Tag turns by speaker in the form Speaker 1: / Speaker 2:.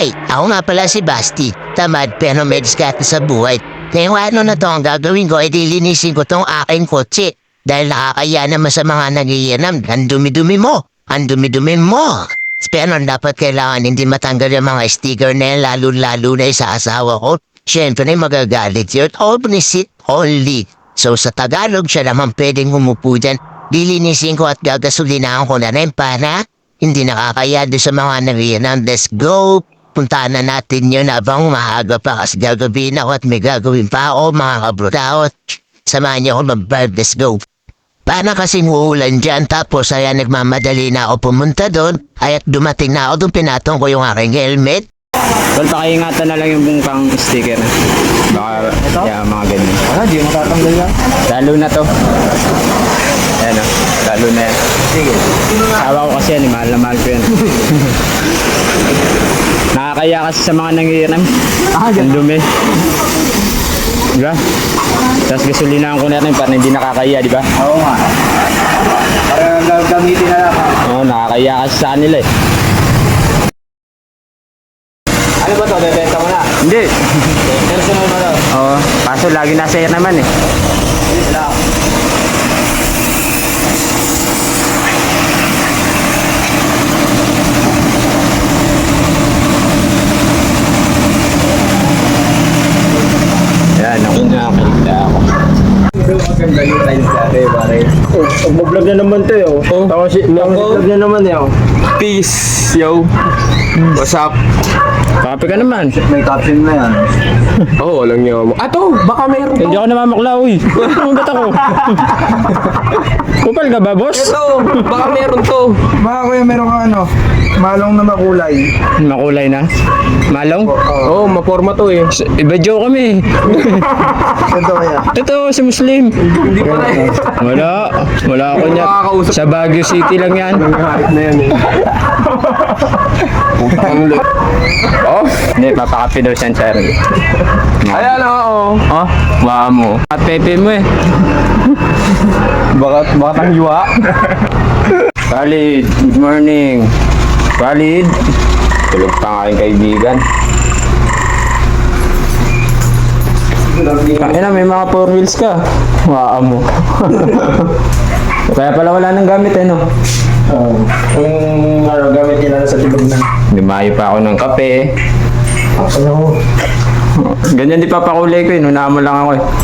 Speaker 1: Hi! Ako nga pala si Basti. Tamad pero may diskarte sa buhay. Kaya ano na to ang gagawin ko ay dilinisin ko tong aking kotse. Dahil nakakaya naman sa mga nagiyanam. Ang dumi-dumi mo! Ang dumi-dumi mo! Pero dapat kailangan hindi matanggal yung mga sticker na yan, lalo-lalo na sa asawa ko. Siyempre na magagalit yun. Omnisit only. So sa Tagalog siya naman pwedeng humupo dyan. Dilinisin ko at gagasolinahan ko na rin para hindi nakakaya doon sa mga nagiyanam. Let's go! Puntaan na natin yun habang maaga pa kasi gagawin ako at may gagawin pa ako mga kabrutao. Samahan niyo ako mag-vibe, let's go. Para kasing uulan dyan tapos ay nagmamadali na ako pumunta doon ay at dumating na ako doon pinatong ko yung aking helmet.
Speaker 2: Well, pakiingatan na lang yung bungkang sticker. Baka, yeah, mga ganyan.
Speaker 3: Di mo tatanggal yan.
Speaker 2: Lalo na to. Ayan o, lalo na yan.
Speaker 3: Sige.
Speaker 2: Awa ko kasi yan, mahal na mahal ko yan. Nakakaya kasi sa mga nangiram. Ang dumi. Diba? Tapos gasolinahan ko na rin para hindi nakakaya, diba?
Speaker 3: Oo nga. Para gagamitin na lang.
Speaker 2: Oo, nakakaya kasi sa kanila eh.
Speaker 3: Ano ba to? Bebenta mo na?
Speaker 2: Hindi.
Speaker 3: Personal mo na?
Speaker 2: Oo, kaso lagi nasa air naman eh.
Speaker 3: Wala.
Speaker 2: Yan, nakakita ako.
Speaker 3: Maganda yung times dati, pare.
Speaker 2: Mag-vlog na naman to yun.
Speaker 3: Vlog na naman yun.
Speaker 4: Peace, yo. What's up?
Speaker 2: Kape ka naman.
Speaker 3: May caption na yan.
Speaker 4: Oo, walang niyo mo. Ato, baka meron
Speaker 2: Hindi
Speaker 4: to.
Speaker 2: ako namamakla, uy. Umangat ako. Kupal ka ba, boss?
Speaker 4: Ito, baka meron to.
Speaker 3: Baka kuya meron kang ano, malong na makulay.
Speaker 2: Makulay na. Malong?
Speaker 4: Oo, maporma to eh.
Speaker 2: Iba joke kami.
Speaker 3: Ito kaya.
Speaker 2: Totoo, si Muslim.
Speaker 4: Hindi pala eh.
Speaker 2: Wala ako niya.
Speaker 4: Makakausap.
Speaker 2: Sa Baguio City lang yan.
Speaker 4: Nangyari na yan eh. Putang ulit. Oh,
Speaker 2: Hindi, papakapi daw siya, Charlie.
Speaker 4: ayan oo.
Speaker 2: Oh, baka mo. At pepe mo eh.
Speaker 4: Baka tang yuwa.
Speaker 2: Khalid, good morning. Khalid. Tulog pa ang aking kaibigan. Kaya may mga 4 wheels ka. Waa mo. Kaya pala wala nang gamit eh, no?
Speaker 3: Yung ano, gamit nila sa tibag na.
Speaker 2: Lumayo pa ako ng kape.
Speaker 3: Ano?
Speaker 2: Ganyan di papakulay ko eh. Nunaan mo lang ako eh.